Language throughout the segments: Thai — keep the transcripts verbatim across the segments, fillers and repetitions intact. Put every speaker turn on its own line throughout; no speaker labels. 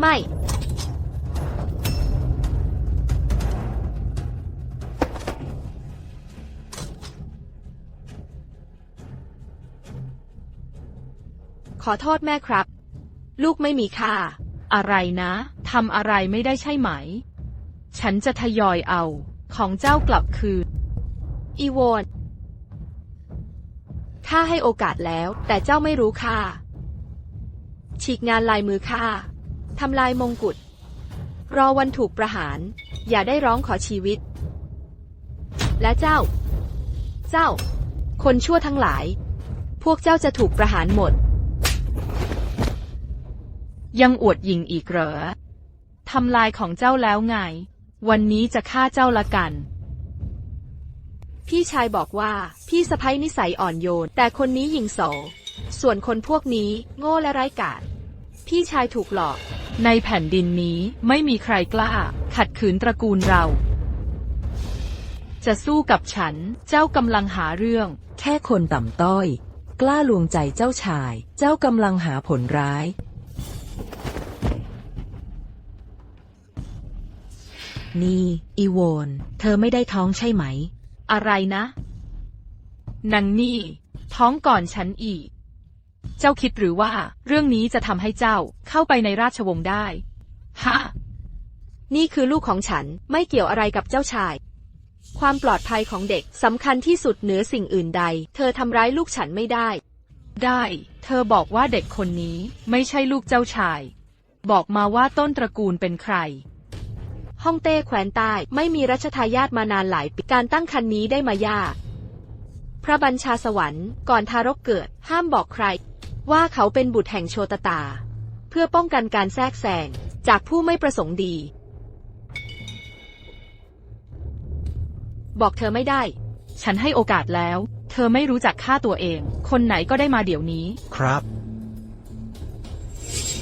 ไม่ ขอโทษแม่ครับ ลูกไม่มีค่า
อะไรนะทำอะไรไม่ได้ใช่ไหม ฉันจะทยอยเอาของเจ้ากลับคืน
อีโวนข้าให้โอกาสแล้ว แต่เจ้าไม่รู้ค่า ฉีกงานลายมือข้าทำลายมงกุฎ รอวันถูกประหาร อย่าได้ร้องขอชีวิต และเจ้า เจ้า คนชั่วทั้งหลาย พวกเจ้าจะถูกประหารหมด
ยังอวดหยิ่งอีกเหรอ ทำลายของเจ้าแล้วไง วันนี้จะฆ่าเจ้าละกัน
พี่ชายบอกว่าพี่สะใภ้นิสัยอ่อนโยน แต่คนนี้หยิ่งโส ส่วนคนพวกนี้โง่และไร้กาจ พี่ชายถูกหลอก
ในแผ่นดินนี้ไม่มีใครกล้า ขัดขืนตระกูลเรา จะสู้กับฉัน เจ้ากำลังหาเรื่อง
แค่คนต่ำต้อย กล้าลวงใจเจ้าชาย เจ้ากำลังหาผลร้าย นี่อีโวน เธอไม่ได้ท้องใช่ไหม
อะไรนะนางนี่ ท้องก่อนฉันอีก เจ้าคิดหรือว่าเรื่องนี้จะทำให้เจ้าเข้าไปในราชวงศ์ได้ ฮะ
นี่คือลูกของฉัน ไม่เกี่ยวอะไรกับเจ้าชาย ความปลอดภัยของเด็กสำคัญที่สุดเหนือสิ่งอื่นใด เธอทำร้ายลูกฉันไม่ได้
ได้ เธอบอกว่าเด็กคนนี้ไม่ใช่ลูกเจ้าชาย บอกมาว่าต้นตระกูลเป็นใคร
ฮ่องเต้แคว้นใต้ไม่มีรัชทายาทมานานหลายปี การตั้งครรภ์นี้ได้มายาก พระบัญชาสวรรค์ก่อนทารกเกิด ห้ามบอกใคร ว่าเขาเป็นบุตรแห่งโชตตา เพื่อป้องกันการแทรกแซงจากผู้ไม่ประสงค์ดี บอกเธอไม่ได้
ฉันให้โอกาสแล้ว เธอไม่รู้จักฆ่าตัวเอง คนไหนก็ได้มาเดี๋ยวนี้
ครับ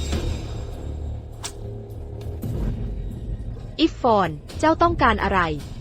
อิฟฟอน เจ้าต้องการอะไร